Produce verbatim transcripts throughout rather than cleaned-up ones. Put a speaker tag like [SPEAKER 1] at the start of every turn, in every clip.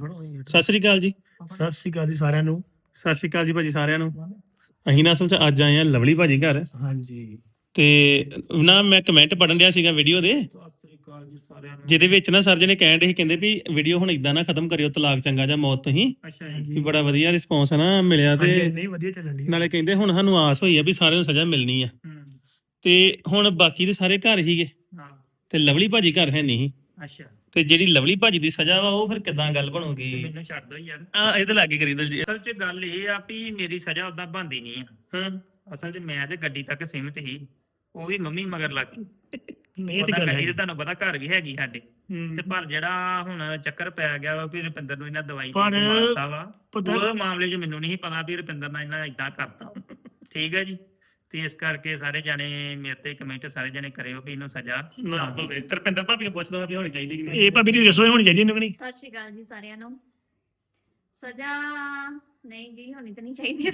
[SPEAKER 1] ਸਤਿ ਸ੍ਰੀ ਅਕਾਲ ਜੀ।
[SPEAKER 2] ਸਤਿ ਸ਼੍ਰੀ ਅਕਾਲ ਜੀ ਸਾਰਿਆਂ ਨੂੰ।
[SPEAKER 1] ਸਤਿ ਸ੍ਰੀ ਅਕਾਲ ਜੀ ਭਾਜੀ ਸਾਰਿਆਂ ਨੂੰ। ਅਸੀਂ ਨਾ ਅਸਲ 'ਚ ਅੱਜ ਆਏ ਆ ਲਵਲੀ ਭਾਜੀ ਘਰ
[SPEAKER 2] ਹਾਂਜੀ
[SPEAKER 1] ਤੇ ਨਾ ਮੈਂ ਕਮੈਂਟ ਪੜਨ ਰਿਹਾ ਸੀਗਾ ਵੀਡੀਓ ਦੇ,
[SPEAKER 2] ਸਤਿ ਸ਼੍ਰੀ ਅਕਾਲ ਜੀ ਸਾਰਿਆਂ ਨੂੰ।
[SPEAKER 1] ਜਿਹਦੇ ਵਿੱਚ ਨਾ ਸਰ ਜੀ ਨੇ ਕਹਿਣ ਦੇ ਸੀ, ਕਹਿੰਦੇ ਵੀ ਵੀਡੀਓ ਹੁਣ ਇਦਾਂ ਨਾ ਖਤਮ ਕਰਿਓ, ਤਲਾਕ ਚੰਗਾ ਜਾਂ ਮੌਤ ਤੁਸੀਂ।
[SPEAKER 2] ਅੱਛਾ
[SPEAKER 1] ਵੀ
[SPEAKER 2] ਜੀ
[SPEAKER 1] ਬੜਾ ਵਧੀਆ ਰਿਸਪੌਂਸ ਹੈ ਨਾ ਮਿਲਿਆ ਤੇ
[SPEAKER 2] ਨਹੀਂ ਵਧੀਆ ਚੱਲਣ ਦੀ
[SPEAKER 1] ਨਾਲੇ ਕਹਿੰਦੇ ਹੁਣ ਸਾਨੂੰ ਆਸ ਹੋਈ ਆ ਵੀ ਸਾਰਿਆਂ ਨੂੰ ਸਜ਼ਾ ਮਿਲਣੀ ਆ। ਤੇ ਹੁਣ ਬਾਕੀ ਦੇ ਸਾਰੇ ਘਰ ਹੀਗੇ
[SPEAKER 2] ਹਾਂ
[SPEAKER 1] ਤੇ ਲਵਲੀ ਭਾਜੀ ਘਰ ਹੈ ਨਹੀਂ ਸੀ।
[SPEAKER 2] ਅੱਛਾ
[SPEAKER 1] ਤੇ ਜਿਹੜੀ ਲਵਲੀ ਭਾਜੀ ਦੀ ਸਜ਼ਾ ਵਾ ਉਹ ਫਿਰ ਕਿਦਾਂ ਗੱਲ ਬਣੂਗੀ?
[SPEAKER 2] ਮੈਨੂੰ ਛੱਡ ਦੋ ਯਾਰ।
[SPEAKER 1] ਆ ਇਹਦੇ ਲਾਗੇ ਕਰੀ ਦਲ ਜੀ।
[SPEAKER 2] ਅਸਲ 'ਚ ਗੱਲ ਇਹ ਆ ਵੀ ਮੇਰੀ ਸਜ਼ਾ ਉਦਾਂ ਬਣਦੀ ਨਹੀਂ ਆ।
[SPEAKER 1] ਹਾਂ
[SPEAKER 2] ਅਸਲ 'ਚ ਮੈਂ ਤੇ ਗੱਡੀ ਤੱਕ ਸੀਮਿਤ ਸੀ, ਉਹ ਵੀ ਮੰਮੀ ਮਗਰ ਲੱਗ ਗਈ।
[SPEAKER 1] ਨਹੀਂ ਇਹ ਤੇ
[SPEAKER 2] ਉਹਦਾ
[SPEAKER 1] ਗੱਲ
[SPEAKER 2] ਗੱਡੀ
[SPEAKER 1] ਹੈ।
[SPEAKER 2] ਤੇ ਤੁਹਾਨੂੰ ਪਤਾ ਘਰ ਵੀ ਹੈਗੀ ਸਾਡੇ, ਤੇ ਪਰ ਜਿਹੜਾ ਹੁਣ ਚੱਕਰ ਪੈ ਗਿਆ ਵਾ ਵੀ ਰੁਪਿੰਦਰ ਨੂੰ ਇਹਨਾਂ ਦਵਾਈ ਦੇ ਕੇ ਮਾਰਤਾ ਵਾ, ਉਹ ਮਾਮਲੇ 'ਚ ਮੈਨੂੰ ਨਹੀਂ ਪਤਾ ਵੀ ਰੁਪਿੰਦਰ ਨਾਲ ਇਹਨਾਂ ਏਦਾਂ ਕਰਤਾ। ਠੀਕ ਹੈ ਜੀ। ਤੇ ਇਸ ਕਰਕੇ ਸਾਰੇ ਜਾਣੇ ਮੇਰੇ ਤੇ ਕਮੈਂਟ ਸਾਰੇ ਜਾਣੇ ਕਰਿਓ ਵੀ ਇਹਨੂੰ ਸਜ਼ਾ
[SPEAKER 1] ਨਾ ਹੋਵੇ। ਤਰਪਿੰਦਰ ਭਾਬੀ ਨੂੰ ਪੁੱਛਦਾ ਵੀ ਹੋਣੀ ਚਾਹੀਦੀ ਕਿ ਨਹੀਂ।
[SPEAKER 2] ਇਹ ਭਾਬੀ ਦੀ ਰਸੋਈ ਹੋਣੀ ਚਾਹੀਦੀ ਇਹਨੂੰ ਕਿ ਨਹੀਂ।
[SPEAKER 3] ਸਤਿ ਸ਼੍ਰੀ ਅਕਾਲ ਜੀ ਸਾਰਿਆਂ ਨੂੰ। ਸਜ਼ਾ ਨਹੀਂ ਜੀ ਹੋਣੀ ਤਾਂ ਨਹੀਂ ਚਾਹੀਦੀ।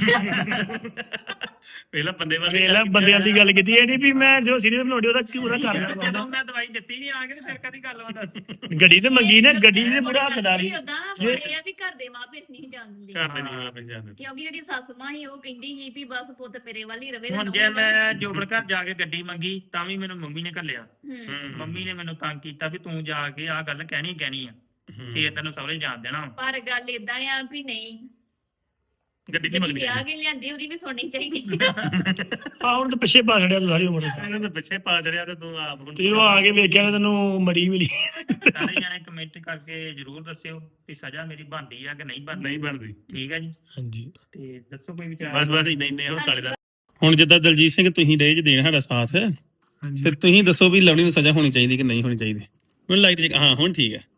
[SPEAKER 1] ਪਹਿਲਾਂ ਬੰਦੇ ਵਾਲੇ
[SPEAKER 2] ਵੇਲਾ ਬੰਦਿਆਂ ਦੀ ਗੱਲ ਕੀਤੀ ਇਹ ਨਹੀਂ ਵੀ ਮੈਂ ਜੋ ਸੀਨੀਅਰ ਬਣਾਉਂਦੀ ਉਹਦਾ ਕਿਉਂ ਉਹਦਾ ਕਰ
[SPEAKER 3] ਜਦੋਂ
[SPEAKER 2] ਮੈਂ ਦਵਾਈ ਦਿੱਤੀ ਨਹੀਂ ਆ ਕੇ ਫਿਰ ਕਦੀ ਗੱਲ ਵਾ ਦੱਸ। ਗੱਡੀ ਤੇ ਮੰਗੀ ਨਾ, ਗੱਡੀ ਦੇ ਬੜਾ ਹੱਕਦਾਰੀ।
[SPEAKER 3] ਉਦਾਂ ਨਾ ਪਰ ਇਹ ਆ ਵੀ ਘਰ ਦੇ ਮਾਂ ਪਿਓ ਨਹੀਂ ਜਾਣ ਦਿੰਦੇ,
[SPEAKER 1] ਘਰ ਦੇ ਨਹੀਂ ਆਪੇ ਜਾਣਦੇ।
[SPEAKER 3] ਕਿਉਂਕਿ ਜਿਹੜੀ ਸੱਸ ਮਾਂ ਸੀ ਉਹ ਕਹਿੰਦੀ ਸੀ ਵੀ ਬਸ ਪੁੱਤ ਤੇਰੇ ਵੱਲ ਹੀ ਰਵੇ।
[SPEAKER 2] ਹੁਣ ਜੇ ਮੈਂ ਜੋਬਨ ਘਰ ਜਾ ਕੇ ਗੱਡੀ ਮੰਗੀ ਤਾਂ ਵੀ ਮੈਨੂੰ ਮੰਮੀ ਨੇ ਘੱਲਿਆ।
[SPEAKER 3] ਹੂੰ
[SPEAKER 2] ਮੰਮੀ ਨੇ ਮੈਨੂੰ ਤੰਗ ਕੀਤਾ ਵੀ ਤੂੰ ਜਾ ਕੇ ਆਹ ਗੱਲ ਕਹਿਣੀ ਕਹਿਣੀ ਆ, ਤੇ ਤੈਨੂੰ ਸਹੁਰੇ ਜਾਣ ਦੇਣਾ।
[SPEAKER 3] ਪਰ ਗੱਲ ਇਦਾਂ ਆ ਵੀ ਨਹੀਂ,
[SPEAKER 1] ਗੱਡੀ ਨਹੀਂ
[SPEAKER 3] ਜਿਹੜੀ
[SPEAKER 1] ਮੰਗਦੀ।
[SPEAKER 3] ਵਿਆਹ ਕੇ ਲਿਆਂਦੀ ਉਹਦੀ ਵੀ ਸੁਣਨੀ ਚਾਹੀਦੀ।
[SPEAKER 2] ਆ ਹੁਣ ਤਾਂ ਪਿੱਛੇ ਪਾ ਛੜਿਆ ਸਾਰੀ ਉਮਰ।
[SPEAKER 1] ਇਹਨਾਂ ਦੇ ਪਿੱਛੇ ਪਾ ਚੜਿਆ ਤੇ ਤੂੰ ਆਪ ਹੁਣ
[SPEAKER 2] ਤੇ ਉਹ ਆ ਕੇ ਵੇਖਿਆ ਨਾ ਤੈਨੂੰ ਮੜੀ ਮਿਲੀ। ਸਾਰੇ ਜਾਣੇ ਕਮੈਂਟ ਕਰਕੇ ਜਰੂਰ ਦੱਸਿਓ ਕਿ ਸਜ਼ਾ ਮੇਰੀ ਬਣਦੀ ਆ ਕਿ ਨਹੀਂ ਬਣਦੀ।
[SPEAKER 1] ਨਹੀਂ ਬਣਦੀ।
[SPEAKER 2] ਠੀਕ ਹੈ ਜੀ।
[SPEAKER 1] ਹਾਂਜੀ
[SPEAKER 2] ਤੇ ਦੱਸੋ ਕੋਈ ਵਿਚਾਰ।
[SPEAKER 1] ਬਸ ਬਸ ਇੰਨੇ ਇੰਨੇ ਹੋ ਤਾਲੇ ਦਾ। ਹੁਣ ਜਿੱਦਾਂ ਦਲਜੀਤ ਸਿੰਘ ਤੁਸੀਂ ਰਹੇ ਜੇ ਦੇਣ ਸਾਡਾ ਸਾਥ, ਤੇ ਤੁਸੀਂ ਦੱਸੋ ਵੀ ਲਵਲੀ ਨੂੰ ਸਜ਼ਾ ਹੋਣੀ ਚਾਹੀਦੀ ਕਿ ਨਹੀਂ ਹੋਣੀ ਚਾਹੀਦੀ? ਮੈਨੂੰ ਲਾਈਟ ਹਾਂ ਹੁਣ ਠੀਕ ਹੈ।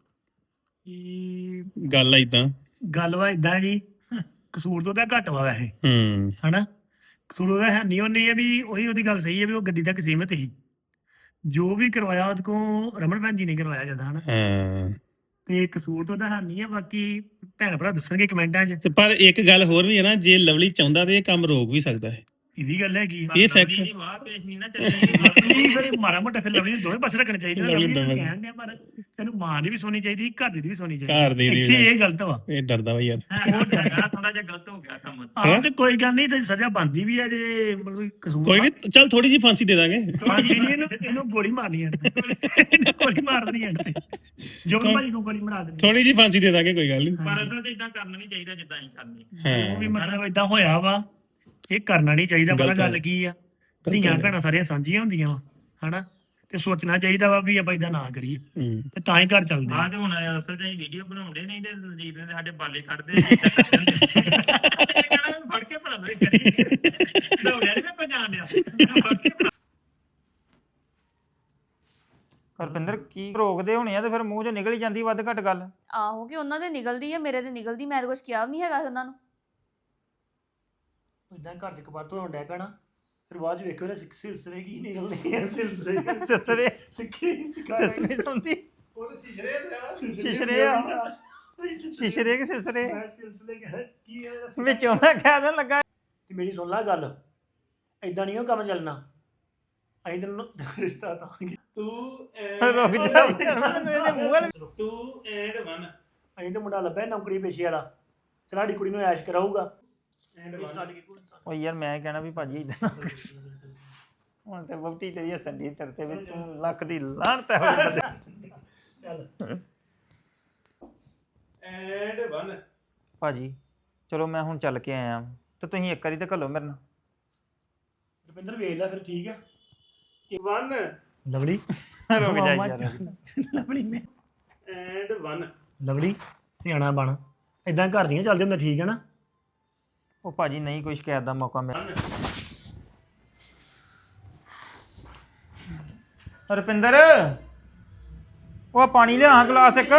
[SPEAKER 1] ਗੱਲ ਆ ਇਦਾਂ,
[SPEAKER 2] ਗੱਲ ਵਾ ਇਦਾਂ ਜੀ, ਕਸੂਰ ਤੋਂ ਤਾਂ ਘੱਟ ਵਾ ਵੈਸੇ
[SPEAKER 1] ਹੂੰ
[SPEAKER 2] ਹਨਾ। ਕਸੂਰ ਉਹਦਾ ਹੈ ਨਹੀਂ, ਉਹਨੇ ਇਹ ਵੀ ਉਹੀ ਉਹਦੀ ਗੱਲ ਸਹੀ ਹੈ ਵੀ ਉਹ ਗੱਡੀ ਤੱਕ ਸੀਮਿਤ ਸੀ। ਜੋ ਵੀ ਕਰਵਾਇਆ ਉਹਦੇ ਕੋਲ ਰਮਨ ਭੈਣ ਜੀ ਨੇ ਕਰਵਾਇਆ ਜਦਾਂ ਹਨਾ।
[SPEAKER 1] ਹਾਂ।
[SPEAKER 2] ਤੇ ਕਸੂਰ ਤੋਂ ਤਾਂ ਹੈ ਨਹੀਂ ਹੈ, ਬਾਕੀ ਭੈਣ ਭਰਾ ਦੱਸਣਗੇ ਕਮੈਂਟਾਂ 'ਚ।
[SPEAKER 1] ਤੇ ਪਰ ਇੱਕ ਗੱਲ ਹੋਰ ਵੀ ਹੈ ਨਾ, ਜੇ ਲਵਲੀ ਚਾਹੁੰਦਾ ਤੇ ਇਹ ਕੰਮ ਰੋਕ ਵੀ ਸਕਦਾ ਹੈ।
[SPEAKER 2] ਇਹ ਵੀ ਗੱਲ ਹੈਗੀ।
[SPEAKER 1] ਇਹ fact
[SPEAKER 2] ਦੀ ਵਾਹ ਪੇਸ਼ ਨਹੀਂ ਨਾ ਚੱਲਣੀ। ਫਿਰ ਮਾੜਾ ਮੋਟਾ ਫਿਰ ਲਵਲੀ ਨੂੰ ਦੋਵੇਂ ਪਾਸੇ ਰੱਖਣੇ ਚਾਹੀਦੇ।
[SPEAKER 1] ਲਵਲੀ ਨੂੰ ਦੋਵੇਂ।
[SPEAKER 2] ਕਹਿਣ ਡਿਆ ਪਰ ਤੈਨੂੰ ਮਾਂ ਦੀ ਵੀ ਸੁਣੀ ਚਾਹੀਦੀ, ਘਰ ਦੀ ਵੀ ਸੁਣੀ ਚਾਹੀਦੀ।
[SPEAKER 1] ਘਰ ਦੀ ਦੀ
[SPEAKER 2] ਇੱਥੇ ਇਹ ਗਲਤ ਵਾ।
[SPEAKER 1] ਇਹ ਡਰਦਾ ਵਾ ਯਾਰ।
[SPEAKER 2] ਉਹ ਜਗ੍ਹਾ ਥੋੜਾ ਜਿਹਾ ਗਲਤ ਹੋ ਗਿਆ ਕੰਮ। ਆਹ ਤੇ ਕੋਈ ਗੱਲ ਨਹੀਂ, ਤੇ ਸਜ਼ਾ ਬਣਦੀ ਵੀ ਹੈ ਜੇ ਮਤਲਬ ਕਸੂਰ।
[SPEAKER 1] ਕੋਈ ਨਹੀਂ, ਚੱਲ ਥੋੜੀ ਜਿਹੀ ਫਾਂਸੀ ਦੇ ਦਾਂਗੇ।
[SPEAKER 2] ਫਾਂਸੀ ਨਹੀਂ, ਇਹਨੂੰ ਇਹਨੂੰ ਗੋਲੀ ਮਾਰਨੀ ਹੈ। ਇਹਨੂੰ ਗੋਲੀ ਮਾਰ ਦੇਣੀ ਹੈ ਜੋ ਵੀ ਭਾਈ ਨੂੰ ਗੋਲੀ ਮਾਰ ਦੇਣੀ।
[SPEAKER 1] ਥੋੜੀ ਜਿਹੀ ਫਾਂਸੀ ਦੇ ਦਾਂਗੇ, ਕੋਈ ਗੱਲ ਨਹੀਂ।
[SPEAKER 2] ਪਰ ਅਸਲ 'ਚ ਇਦਾਂ ਕਰਨਾ ਨਹੀਂ ਚਾਹੀਦਾ ਜਿੱਦਾਂ ਅਸੀਂ ਕਰਨੀ।
[SPEAKER 1] ਹਾਂ।
[SPEAKER 2] ਉਹ ਵੀ ਮਤਲਬ ਇਦਾਂ ਹੋਇਆ ਵਾ, ਇਹ ਕਰਨਾ ਨਹੀਂ ਚਾਹੀਦਾ। ਪਤਾ ਗੱਲ ਕੀ ਆ, ਧੀਆਂ ਭੈਣਾਂ ਸਾਰੀਆਂ ਸਾਂਝੀਆਂ ਹੁੰਦੀਆਂ ਵਾ ਹਨਾ, ਤੇ ਸੋਚਣਾ ਚਾਹੀਦਾ ਵਾ ਵੀ ਆਪਾਂ ਇਦਾਂ ਨਾ ਕਰੀਏ, ਤੇ ਤਾਂ ਹੀ ਘਰ ਚੱਲਦੇ ਆ। ਤੇ ਹੁਣ ਅਸਲ 'ਚ ਅਸੀਂ ਵੀਡੀਓ ਬਣਾਉਂਦੇ ਨਹੀਂ ਤੇ ਦਲਜੀਤ ਨੇ ਸਾਡੇ ਬਾਲੇ ਕੱਢਦੇ ਫੜ ਕੇ ਭਲਾ ਮੇਰੇ ਕਰੀ ਦੌੜਿਆ ਨਹੀਂ ਮੈਂ ਪਛਾਣ ਲਿਆ ਫੜ ਕੇ।
[SPEAKER 4] ਹਰਪਿੰਦਰ ਕੀ ਰੋਕਦੇ ਹੋਣੇ ਆ ਤੇ ਫਿਰ ਮੂੰਹ 'ਚੋਂ ਨਿਕਲ ਹੀ ਜਾਂਦੀ ਵੱਧ ਘੱਟ ਗੱਲ।
[SPEAKER 5] ਆਹੋ ਕਿ ਉਹਨਾਂ ਦੇ ਨਿਕਲਦੀ ਆ, ਮੇਰੇ ਤੇ ਨਿਕਲਦੀ। ਮੈਂ ਤਾਂ ਕੁਝ ਕਿਹਾ ਵੀ ਨਹੀਂ ਹੈਗਾ ਉਹਨਾਂ ਨੂੰ।
[SPEAKER 2] ਇਦਾਂ ਘਰ 'ਚ ਕਬਾਰ ਤੋਂ ਡੈ ਪੈਣਾ, ਫਿਰ ਬਾਅਦ 'ਚ ਵੇਖਿਓ ਨਾ ਸਿਲਸਿਲੇ ਕੀ ਨਿਕਲਦੇ ਆ। ਸਿਲਸਿਲੇ
[SPEAKER 4] ਸਿਸਰੇ
[SPEAKER 2] ਸਿੱਖੀ
[SPEAKER 4] ਸਿਸਰੇ ਸੁਣਦੀ
[SPEAKER 2] ਉਹ ਸਿਸ਼ਰੇ
[SPEAKER 4] ਸ਼ਿਸ਼ਰੇ ਆ। ਸ਼ਿਸ਼ਰੇ ਕਿ ਸਿਸਰੇ
[SPEAKER 2] ਸਿਲਸਿਲੇ ਕੀ ਹੈ
[SPEAKER 4] ਵਿੱਚੋਂ ਮੈਂ ਕਹਿ ਦੇਣ ਲੱਗਾ।
[SPEAKER 2] ਤੇ ਮੇਰੀ ਸੁਣ ਲੈ ਗੱਲ, ਐਦਾਂ ਨਹੀਂ ਉਹ ਕੰਮ ਚੱਲਣਾ। ਅਸੀਂ ਤੈਨੂੰ ਰਿਸ਼ਤਾ ਦਾਂਗੇ। ਟੂ
[SPEAKER 4] ਰੁਕ ਜਾ ਇਹਦੇ ਮੂੰਹ ਵੱਲ।
[SPEAKER 2] Two and one. ਅਸੀਂ ਤਾਂ ਮੁੰਡਾ ਲੱਭਿਆ ਨੌਕਰੀ ਪੇਸ਼ੇ ਵਾਲਾ, ਚਲਾੜੀ ਕੁੜੀ ਨੂੰ ਐਸ਼ ਕਰਾਊਗਾ।
[SPEAKER 4] ਓ ਯਾਰ ਮੈਂ ਕਹਿਣਾ ਵੀ ਭਾਜੀ ਇਦਾਂ ਹੁਣ ਤੇ ਵਹੁਟੀ ਤੇਰੀ ਹੱਸਣ ਦੀ ਤੇਰੇ ਤੇ ਵੀ ਤੂੰ ਲੱਖ ਦੀ ਲਾਹਨਤ ਹੈ ਹੋਈ ਬੰਦੇ।
[SPEAKER 2] ਚੱਲ
[SPEAKER 1] ਐਂਡ ਵਨ।
[SPEAKER 4] ਭਾਜੀ ਚਲੋ ਮੈਂ ਹੁਣ ਚੱਲ ਕੇ ਆਇਆ ਤੇ ਤੁਸੀਂ ਇੱਕ ਵਾਰੀ ਤੇ ਘੱਲੋ ਮੇਰੇ ਨਾਲ।
[SPEAKER 2] ਰੁਪਿੰਦਰ ਵੇਖ ਲੈ ਫਿਰ, ਠੀਕ ਆ।
[SPEAKER 1] ਵਨ।
[SPEAKER 2] ਲਵਲੀ
[SPEAKER 4] ਰੁਕ ਜਾ ਯਾਰ।
[SPEAKER 2] ਲਵਲੀ ਮੈਂ
[SPEAKER 1] ਐਂਡ ਵਨ।
[SPEAKER 2] ਲਵਲੀ ਸਿਆਣਾ ਬਣ, ਇਦਾਂ ਘਰ ਦੀਆਂ ਚੱਲਦੇ ਹੁੰਦੇ, ਠੀਕ ਹੈ ਨਾ।
[SPEAKER 4] ਉਹ ਭਾਜੀ ਨਹੀਂ ਕੋਈ ਸ਼ਿਕਾਇਤ ਦਾ ਮੌਕਾ ਮਿਲਿਆ। ਰੁਪਿੰਦਰ ਉਹ ਪਾਣੀ ਲਿਆ ਗਲਾਸ ਇੱਕ।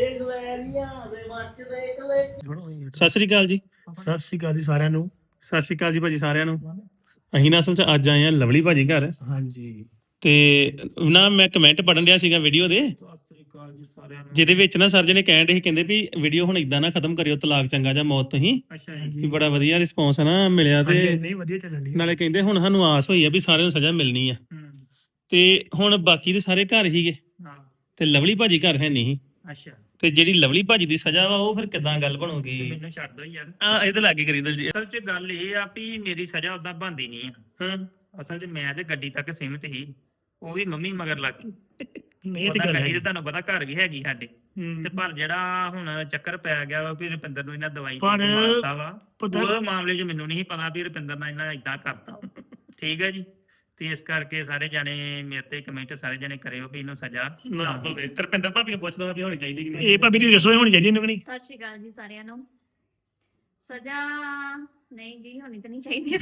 [SPEAKER 1] ਸਤਿ ਸ੍ਰੀ ਅਕਾਲ ਜੀ।
[SPEAKER 2] ਸਤਿ ਸ਼੍ਰੀ ਅਕਾਲ ਜੀ ਸਾਰਿਆਂ ਨੂੰ।
[SPEAKER 1] ਸਤਿ ਸ੍ਰੀ ਅਕਾਲ ਜੀ ਭਾਜੀ ਸਾਰਿਆਂ ਨੂੰ। ਅਸੀਂ ਨਾ ਅਸਲ 'ਚ ਅੱਜ ਆਏ ਆ ਲਵਲੀ ਭਾਜੀ ਘਰ
[SPEAKER 2] ਹਾਂਜੀ
[SPEAKER 1] ਤੇ ਨਾ ਮੈਂ ਕਮੈਂਟ ਪੜਨ ਰਿਹਾ ਸੀਗਾ ਵੀਡੀਓ ਦੇ,
[SPEAKER 2] ਸਤਿ ਸ਼੍ਰੀ ਅਕਾਲ ਜੀ ਸਾਰਿਆਂ ਨੂੰ।
[SPEAKER 1] ਜਿਹਦੇ ਵਿੱਚ ਨਾ ਸਰ ਜੀ ਨੇ ਕਹਿਣ ਦੇ ਸੀ, ਕਹਿੰਦੇ ਵੀ ਵੀਡੀਓ ਹੁਣ ਇਦਾਂ ਨਾ ਖਤਮ ਕਰਿਓ, ਤਲਾਕ ਚੰਗਾ ਜਾਂ ਮੌਤ ਤੁਸੀਂ।
[SPEAKER 2] ਅੱਛਾ
[SPEAKER 1] ਵੀ
[SPEAKER 2] ਜੀ।
[SPEAKER 1] ਬੜਾ ਵਧੀਆ ਰਿਸਪੌਂਸ ਹੈ ਨਾ ਮਿਲਿਆ ਤੇ
[SPEAKER 2] ਨਹੀਂ ਵਧੀਆ ਚੱਲਣ ਦੀ।
[SPEAKER 1] ਨਾਲੇ ਕਹਿੰਦੇ ਹੁਣ ਸਾਨੂੰ ਆਸ ਹੋਈ ਆ ਵੀ ਸਾਰਿਆਂ ਨੂੰ ਸਜ਼ਾ ਮਿਲਣੀ ਆ। ਤੇ ਹੁਣ ਬਾਕੀ ਦੇ ਸਾਰੇ ਘਰ ਹੀਗੇ
[SPEAKER 2] ਹਾਂ
[SPEAKER 1] ਤੇ ਲਵਲੀ ਭਾਜੀ ਘਰ ਹੈ ਨਹੀਂ ਸੀ।
[SPEAKER 2] ਅੱਛਾ
[SPEAKER 1] ਤੇ ਜਿਹੜੀ ਲਵਲੀ ਭਾਜੀ ਦੀ ਸਜ਼ਾ ਵਾ ਉਹ ਫਿਰ ਕਿਦਾਂ ਗੱਲ ਬਣੂਗੀ?
[SPEAKER 2] ਮੈਨੂੰ ਛੱਡ ਦੋ ਯਾਰ।
[SPEAKER 1] ਆ ਇਹਦੇ ਲਾਗੇ ਕਰੀ ਦਲਜੀਤ।
[SPEAKER 2] ਅਸਲ 'ਚ ਗੱਲ ਇਹ ਆ ਵੀ ਮੇਰੀ ਸਜ਼ਾ ਉਦਾਂ ਬਣਦੀ ਨਹੀਂ ਆ।
[SPEAKER 1] ਹਾਂ
[SPEAKER 2] ਅਸਲ 'ਚ ਮੈਂ ਤੇ ਗੱਡੀ ਤੱਕ ਸੀਮਿਤ ਸੀ, ਉਹ ਵੀ ਮੰਮੀ ਮਗਰ ਲੱਗ ਗਈ।
[SPEAKER 1] ਨਹੀਂ ਇਹ ਤੇ
[SPEAKER 2] ਉਹਦਾ
[SPEAKER 1] ਗੱਲ
[SPEAKER 2] ਗੱਡੀ
[SPEAKER 1] ਹੈ।
[SPEAKER 2] ਤੇ ਤੁਹਾਨੂੰ ਪਤਾ ਘਰ ਵੀ ਹੈਗੀ ਸਾਡੇ, ਤੇ ਪਰ ਜਿਹੜਾ ਹੁਣ ਚੱਕਰ ਪੈ ਗਿਆ ਵਾ ਵੀ ਰੁਪਿੰਦਰ ਨੂੰ ਇਹਨਾਂ ਦਵਾਈ ਦੇ ਕੇ ਮਾਰਤਾ ਵਾ, ਉਹ ਮਾਮਲੇ 'ਚ ਮੈਨੂੰ ਨਹੀਂ ਪਤਾ ਵੀ ਰੁਪਿੰਦਰ ਨਾਲ ਇਹਨਾਂ ਇਦਾਂ ਕਰਤਾ। ਠੀਕ ਹੈ ਜੀ, ਤੇ ਇਸ ਕਰਕੇ ਸਾਰੇ ਜਾਣੇ ਮੇਰੇ ਤੇ ਕਮੈਂਟ ਸਾਰੇ ਜਾਣੇ ਕਰਿਓ ਵੀ ਇਹਨੂੰ ਸਜ਼ਾ
[SPEAKER 1] ਨਾ ਹੋਵੇ। ਤਰਪਿੰਦਰ ਭਾਬੀ ਨੂੰ ਪੁੱਛਦਾ ਵੀ ਹੋਣੀ ਚਾਹੀਦੀ ਕਿ ਨਹੀਂ।
[SPEAKER 6] ਇਹ ਭਾਬੀ ਦੀ ਰਸੋਈ ਹੋਣੀ ਚਾਹੀਦੀ ਇਹਨੂੰ ਕਿ ਨਹੀਂ?
[SPEAKER 3] ਸਤਿ ਸ਼੍ਰੀ ਅਕਾਲ ਜੀ ਸਾਰਿਆਂ ਨੂੰ। ਸਜ਼ਾ ਨਹੀਂ ਜੀ ਹੋਣੀ ਤਾਂ ਨਹੀਂ ਚਾਹੀਦੀ।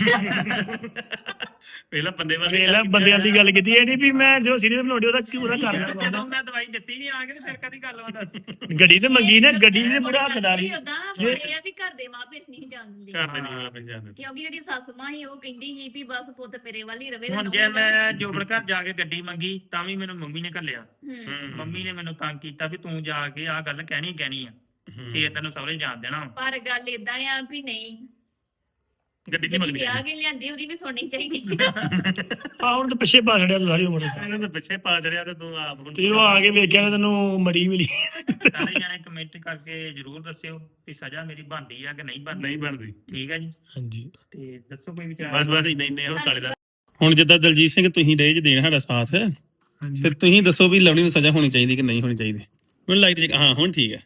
[SPEAKER 1] ਪਹਿਲਾਂ ਬੰਦੇ ਵਾਲੇ
[SPEAKER 6] ਵੇਲਾ ਬੰਦਿਆਂ ਦੀ ਗੱਲ ਕੀਤੀ ਇਹ ਨਹੀਂ ਵੀ ਮੈਂ ਜੋ ਸੀਨੀਅਰ ਬਣਾਉਂਦੀ ਉਹਦਾ ਕਿਉਂ ਉਹਦਾ ਕਰ
[SPEAKER 2] ਜਦੋਂ
[SPEAKER 6] ਲੈਣਾ
[SPEAKER 2] ਮੈਂ ਦਵਾਈ ਦਿੱਤੀ ਨਹੀਂ ਆ ਕੇ ਤੇ ਫਿਰ ਕਦੀ ਗੱਲ ਵਾ ਦੱਸ।
[SPEAKER 6] ਗੱਡੀ ਤੇ ਮੰਗੀ ਨਾ, ਗੱਡੀ ਦੇ ਬੁੜਾ ਹੱਕਦਾਰੀ।
[SPEAKER 3] ਉਦਾਂ ਨਾ ਪਰ ਇਹ ਆ ਵੀ ਘਰ ਦੇ ਮਾਂ ਪਿਓ ਨਹੀਂ ਜਾਣ ਦਿੰਦੇ,
[SPEAKER 1] ਘਰ ਦੇ ਨਹੀਂ ਆਪੇ ਜਾਣਦੇ।
[SPEAKER 3] ਕਿਉਂਕਿ ਜਿਹੜੀ ਸੱਸ ਮਾਂ ਸੀ ਉਹ ਕਹਿੰਦੀ ਸੀ ਵੀ ਬਸ ਪੁੱਤ ਤੇਰੇ ਵੱਲ ਹੀ ਰਵੇ।
[SPEAKER 2] ਹੁਣ ਜੇ ਮੈਂ ਜੋਬਨ ਘਰ ਜਾ ਕੇ ਗੱਡੀ ਮੰਗੀ ਤਾਂ ਵੀ ਮੈਨੂੰ ਮੰਮੀ ਨੇ ਘੱਲਿਆ।
[SPEAKER 3] ਹੂੰ
[SPEAKER 2] ਮੰਮੀ ਨੇ ਮੈਨੂੰ ਤੰਗ ਕੀਤਾ ਵੀ ਤੂੰ ਜਾ ਕੇ ਆਹ ਗੱਲ ਕਹਿਣੀ ਕਹਿਣੀ ਆ, ਤੇ ਤੈਨੂੰ ਸਹੁਰੇ ਜਾਣ ਦੇਣਾ।
[SPEAKER 3] ਪਰ ਗੱਲ ਇਦਾਂ ਆ ਵੀ ਨਹੀਂ,
[SPEAKER 1] ਗੱਡੀ ਨਹੀਂ
[SPEAKER 3] ਜਿਹੜੀ
[SPEAKER 1] ਮੰਗਦੀ।
[SPEAKER 3] ਵਿਆਹ ਕੇ ਲਿਆਂਦੀ ਉਹਦੀ ਵੀ ਸੁਣਨੀ ਚਾਹੀਦੀ।
[SPEAKER 6] ਆ ਹੁਣ ਤਾਂ ਪਿੱਛੇ ਪਾ ਛੜਿਆ ਤੂੰ ਸਾਰੀ ਉਮਰ।
[SPEAKER 1] ਇਹਨਾਂ ਦੇ ਪਿੱਛੇ ਪਾ ਚੜਿਆ ਤੇ ਤੂੰ ਆਪ ਹੁਣ
[SPEAKER 6] ਤੇ ਉਹ ਆ ਕੇ ਵੇਖਿਆ ਨਾ ਤੈਨੂੰ ਮੜੀ ਮਿਲੀ।
[SPEAKER 2] ਸਾਰੇ ਜਾਣੇ ਕਮੈਂਟ ਕਰਕੇ ਜਰੂਰ ਦੱਸਿਓ ਕਿ ਸਜ਼ਾ ਮੇਰੀ ਬਣਦੀ ਆ ਕਿ ਨਹੀਂ ਬਣਦੀ।
[SPEAKER 1] ਨਹੀਂ ਬਣਦੀ।
[SPEAKER 2] ਠੀਕ ਹੈ ਜੀ,
[SPEAKER 6] ਹਾਂਜੀ
[SPEAKER 2] ਤੇ ਦੱਸੋ ਕੋਈ ਵਿਚਾਰ।
[SPEAKER 1] ਬਸ ਬਸ ਇੰਨੇ ਇੰਨੇ ਉਹ ਤਾਲੇ ਦਾ। ਹੁਣ ਜਿੱਦਾਂ ਦਲਜੀਤ ਸਿੰਘ ਤੁਸੀਂ ਰਹੇ ਜੇ ਦੇਣ ਸਾਡਾ ਸਾਥ,
[SPEAKER 6] ਹਾਂਜੀ
[SPEAKER 1] ਤੇ ਤੁਸੀਂ ਦੱਸੋ ਵੀ ਲਵਲੀ ਨੂੰ ਸਜ਼ਾ ਹੋਣੀ ਚਾਹੀਦੀ ਕਿ ਨਹੀਂ ਹੋਣੀ ਚਾਹੀਦੀ? ਮੈਨੂੰ ਲਾਈਟ ਚ ਹਾਂ ਹੁਣ ਠੀਕ ਹੈ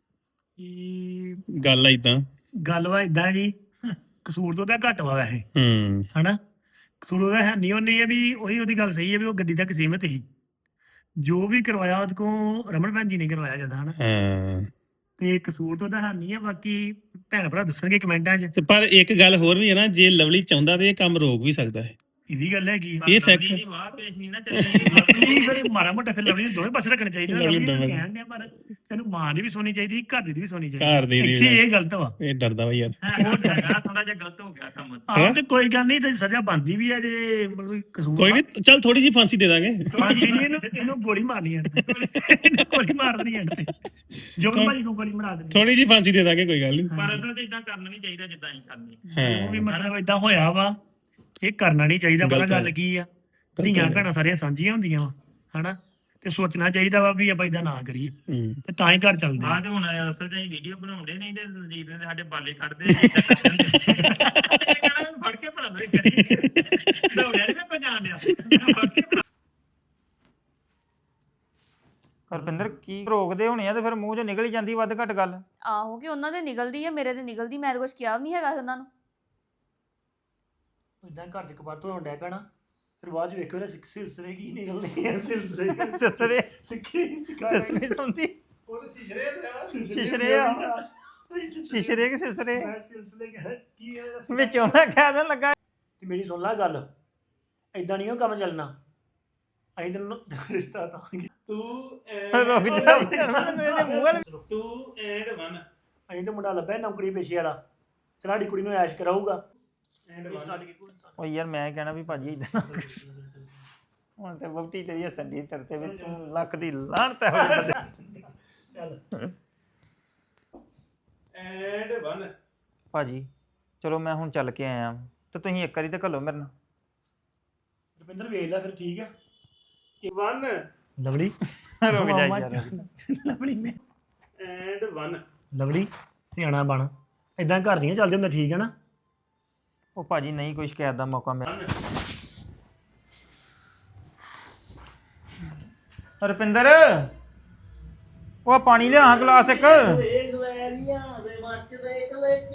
[SPEAKER 6] ਇਹ
[SPEAKER 1] ਗੱਲ ਆ ਇਦਾਂ।
[SPEAKER 6] ਗੱਲ ਵਾ ਇਦਾਂ ਜੀ, ਕਸੂਰ ਤੋਂ ਤਾਂ ਘੱਟ ਵਾ ਵੈਸੇ,
[SPEAKER 1] ਹੂੰ
[SPEAKER 6] ਹਨਾ? ਕਸੂਰ ਉਹਦਾ ਹੈ ਨਹੀਂ। ਉਹਨੇ ਇਹ ਵੀ ਉਹੀ ਉਹਦੀ ਗੱਲ ਸਹੀ ਹੈ ਵੀ ਉਹ ਗੱਡੀ ਤੱਕ ਸੀਮਿਤ ਸੀ। ਜੋ ਵੀ ਕਰਵਾਇਆ ਉਹਦੇ ਕੋਲ ਰਮਨ ਭੈਣ ਜੀ ਨੇ ਕਰਵਾਇਆ ਜਦਾਂ, ਹਨਾ?
[SPEAKER 1] ਹਾਂ।
[SPEAKER 6] ਤੇ ਕਸੂਰ ਤੋਂ ਤਾਂ ਹੈ ਨਹੀਂ ਹੈ, ਬਾਕੀ ਭੈਣ ਭਰਾ ਦੱਸਣਗੇ ਕਮੈਂਟਾਂ 'ਚ।
[SPEAKER 1] ਤੇ ਪਰ ਇੱਕ ਗੱਲ ਹੋਰ ਵੀ ਹੈ ਨਾ, ਜੇ ਲਵਲੀ ਚਾਹੁੰਦਾ ਤੇ ਇਹ ਕੰਮ ਰੋਕ ਵੀ ਸਕਦਾ ਹੈ।
[SPEAKER 6] ਇਹ ਵੀ ਗੱਲ ਹੈਗੀ ਆ।
[SPEAKER 1] ਇਹ fact
[SPEAKER 2] ਲਵਲੀ ਦੀ ਵਾਹ ਪੇਸ਼ ਨਹੀਂ ਨਾ ਚੱਲਣੀ।
[SPEAKER 6] ਨਹੀਂ ਫਿਰ ਮਾੜਾ ਮੋਟਾ ਫਿਰ ਲਵਲੀ ਨੂੰ ਦੋਵੇਂ ਪਾਸੇ ਰੱਖਣੇ ਚਾਹੀਦੇ ਨੇ।
[SPEAKER 1] ਲਵਲੀ
[SPEAKER 6] ਲਵਲੀ ਨੂੰ
[SPEAKER 1] ਦੋਵੇਂ।
[SPEAKER 6] ਕਹਿਣ ਡਿਆ ਪਰ ਤੈਨੂੰ ਮਾਂ ਦੀ ਵੀ ਸੁਣਨੀ ਚਾਹੀਦੀ, ਘਰ ਦੀ ਵੀ ਸੁਣਨੀ
[SPEAKER 1] ਘਰ
[SPEAKER 6] ਚਾਹੀਦੀ।
[SPEAKER 1] ਦੀ ਵੀ
[SPEAKER 6] ਇੱਥੇ
[SPEAKER 1] ਨਾ।
[SPEAKER 6] ਇਹ ਗਲਤ ਵਾ।
[SPEAKER 1] ਇਹ ਡਰਦਾ ਵਾ ਯਾਰ।
[SPEAKER 2] ਉਹ ਜਗ੍ਹਾ ਥੋੜਾ ਜਿਹਾ ਗਲਤ ਹੋ ਗਿਆ ਕੰਮ।
[SPEAKER 6] ਆਹ ਤੇ ਕੋਈ ਗੱਲ ਨਹੀਂ, ਤੇ ਸਜ਼ਾ ਬਣਦੀ ਵੀ ਹੈ ਜੇ ਮਤਲਬ ਕਸੂਰ।
[SPEAKER 1] ਕੋਈ ਨਹੀਂ, ਚੱਲ ਥੋੜੀ ਜਿਹੀ ਫਾਂਸੀ ਦੇ ਦਾਂਗੇ।
[SPEAKER 6] ਫਾਂਸੀ ਨਹੀਂ, ਇਹਨੂੰ ਇਹਨੂੰ ਗੋਲੀ ਮਾਰਨੀ ਹੈ। ਇਹਨੂੰ ਗੋਲੀ ਮਾਰ ਦੇਣੀ ਹੈ ਤੇ ਜੋ ਵੀ ਭਾਈ ਨੂੰ ਗੋਲੀ ਮਾਰ ਦੇਣੀ।
[SPEAKER 1] ਥੋੜੀ ਜਿਹੀ ਫਾਂਸੀ ਦੇ ਦਾਂਗੇ, ਕੋਈ ਗੱਲ ਨਹੀਂ।
[SPEAKER 2] ਪਰ ਅਸਲ 'ਚ ਇਦਾਂ ਕਰਨਾ ਨਹੀਂ ਚਾਹੀਦਾ ਜਿੱਦਾਂ ਅਸੀਂ ਕਰਨੀ।
[SPEAKER 6] ਉਹ ਵੀ
[SPEAKER 1] ਹਾਂ
[SPEAKER 6] ਮਤਲਬ ਇਦਾਂ ਹੋਇਆ ਵਾ, ਇਹ ਕਰਨਾ ਨਹੀਂ ਚਾਹੀਦਾ। ਪਤਾ
[SPEAKER 1] ਗਲਤ
[SPEAKER 6] ਗੱਲ
[SPEAKER 1] ਹੈ।
[SPEAKER 6] ਕੀ ਆ,
[SPEAKER 1] ਗਲਤ
[SPEAKER 6] ਧੀਆਂ
[SPEAKER 1] ਹੈ।
[SPEAKER 6] ਭੈਣਾਂ ਸਾਰੀਆਂ ਸਾਂਝੀਆਂ ਹੁੰਦੀਆਂ ਵਾ, ਹਨਾ? ਤੇ ਸੋਚਣਾ ਚਾਹੀਦਾ ਵਾ ਵੀ ਆਪਾਂ ਇਦਾਂ ਨਾ ਕਰੀਏ,
[SPEAKER 1] ਹੂੰ।
[SPEAKER 6] ਤੇ ਤਾਂ ਹੀ ਘਰ ਚੱਲਦੇ ਆ।
[SPEAKER 2] ਬਾਅਦ ਹੁਣ ਅਸਲ 'ਚ ਅਸੀਂ ਵੀਡੀਓ ਬਣਾਉਂਦੇ ਨਹੀਂ ਤੇ ਦਲਜੀਤ ਨੇ ਸਾਡੇ ਬਾਲੇ ਕੱਢਦੇ ਕਹਿੰਦਾ ਫੜ ਕੇ ਭਲਾ ਮੇਰੇ ਕਰੀ ਦੌੜਿਆ ਨਹੀਂ ਮੈਂ ਪਛਾਣ ਲਿਆ ਫੜ ਕੇ ਭਲਾ।
[SPEAKER 4] ਹਰਪਿੰਦਰ ਕੀ ਰੋਕਦੇ ਹੋਣੇ ਆ ਤੇ ਫਿਰ ਮੂੰਹ 'ਚੋਂ ਨਿਕਲ ਹੀ ਜਾਂਦੀ ਵੱਧ ਘੱਟ ਗੱਲ।
[SPEAKER 5] ਆਹੋ ਕਿ ਉਹਨਾਂ ਦੇ ਨਿਕਲਦੀ ਆ, ਮੇਰੇ ਤੇ ਨਿਕਲਦੀ। ਮੈਂ ਤਾਂ ਕੁਝ ਕਿਹਾ ਵੀ ਨਹੀਂ ਹੈਗਾ ਉਹਨਾਂ ਨੂੰ।
[SPEAKER 6] ਇਦਾਂ ਘਰ 'ਚ ਕਬਾਰ ਤੋਂ ਡੈ ਪੈਣਾ, ਫਿਰ ਬਾਅਦ 'ਚ ਵੇਖਿਓ ਨਾ ਸਿਲਸਿਲੇ ਕੀ ਨਿਕਲਦੇ ਆ। ਸਿਲਸਿਲੇ
[SPEAKER 4] ਸਿਸਰੇ
[SPEAKER 6] ਸਿੱਖੀ
[SPEAKER 4] ਸਿਸਰੇ ਸੁਣਦੀ
[SPEAKER 6] ਉਹ ਸ਼ਿਸ਼ਰੇ
[SPEAKER 4] ਸ਼ਿਸ਼ਰੇ ਆ। ਸ਼ਿਸ਼ਰੇ ਕਿ ਸਿਸਰੇ
[SPEAKER 6] ਸਿਲਸਿਲੇ ਕੀ ਹੈ
[SPEAKER 4] ਵਿੱਚੋਂ ਮੈਂ ਕਹਿ ਦੇਣ ਲੱਗਾ।
[SPEAKER 6] ਤੇ ਮੇਰੀ ਸੁਣ ਲੈ ਗੱਲ, ਐਦਾਂ ਨਹੀਂ ਉਹ ਕੰਮ ਚੱਲਣਾ। ਅਸੀਂ ਤੈਨੂੰ ਰਿਸ਼ਤਾ ਦਾਂਗੇ ਤੂੰ
[SPEAKER 4] ਰੁਕ ਜਾ ਇਹਦੇ ਮੂੰਹ ਵੱਲ।
[SPEAKER 6] Two and one. ਅਸੀਂ ਤਾਂ ਮੁੰਡਾ ਲੱਭਿਆ ਨੌਕਰੀ ਪੇਸ਼ੇ ਵਾਲਾ, ਚਲਾੜੀ ਕੁੜੀ ਨੂੰ ਐਸ਼ ਕਰਾਊਗਾ।
[SPEAKER 4] ਓ ਯਾਰ ਮੈਂ ਕਹਿਣਾ ਵੀ ਭਾਜੀ ਇਦਾਂ ਹੁਣ ਤੇ ਵਹੁਟੀ ਤੇਰੀ ਹੱਸਣ ਦੀ ਤੇਰੇ ਤੇ ਵੀ ਤੂੰ ਲੱਖ ਦੀ ਲਾਹਨਤ ਹੈ ਹੋਈ ਬੰਦੇ।
[SPEAKER 6] ਚੱਲ
[SPEAKER 1] ਐਂਡ ਵਨ।
[SPEAKER 4] ਭਾਜੀ ਚਲੋ ਮੈਂ ਹੁਣ ਚੱਲ ਕੇ ਆਇਆ ਤੇ ਤੁਸੀਂ ਇੱਕ ਵਾਰੀ ਤੇ ਘੱਲੋ ਮੇਰੇ ਨਾਲ।
[SPEAKER 6] ਰੁਪਿੰਦਰ ਵੇਖ ਲੈ ਫਿਰ, ਠੀਕ ਆ?
[SPEAKER 1] ਵਨ।
[SPEAKER 6] ਲਵਲੀ
[SPEAKER 4] ਰੁਕ ਜਾ ਯਾਰ।
[SPEAKER 6] ਲਵਲੀ ਮੈਂ
[SPEAKER 1] ਐਂਡ ਵਨ।
[SPEAKER 6] ਲਵਲੀ ਸਿਆਣਾ ਬਣ, ਇਦਾਂ ਘਰ ਨਹੀਂ ਚੱਲਦੇ ਹੁੰਦੇ, ਠੀਕ ਹੈ ਨਾ?
[SPEAKER 4] ਉਹ ਭਾਜੀ ਨਹੀਂ ਕੋਈ ਸ਼ਿਕਾਇਤ ਦਾ ਮੌਕਾ ਮਿਲਿਆ। ਰੁਪਿੰਦਰ ਉਹ ਪਾਣੀ ਲਿਆ ਗਲਾਸ ਇੱਕ।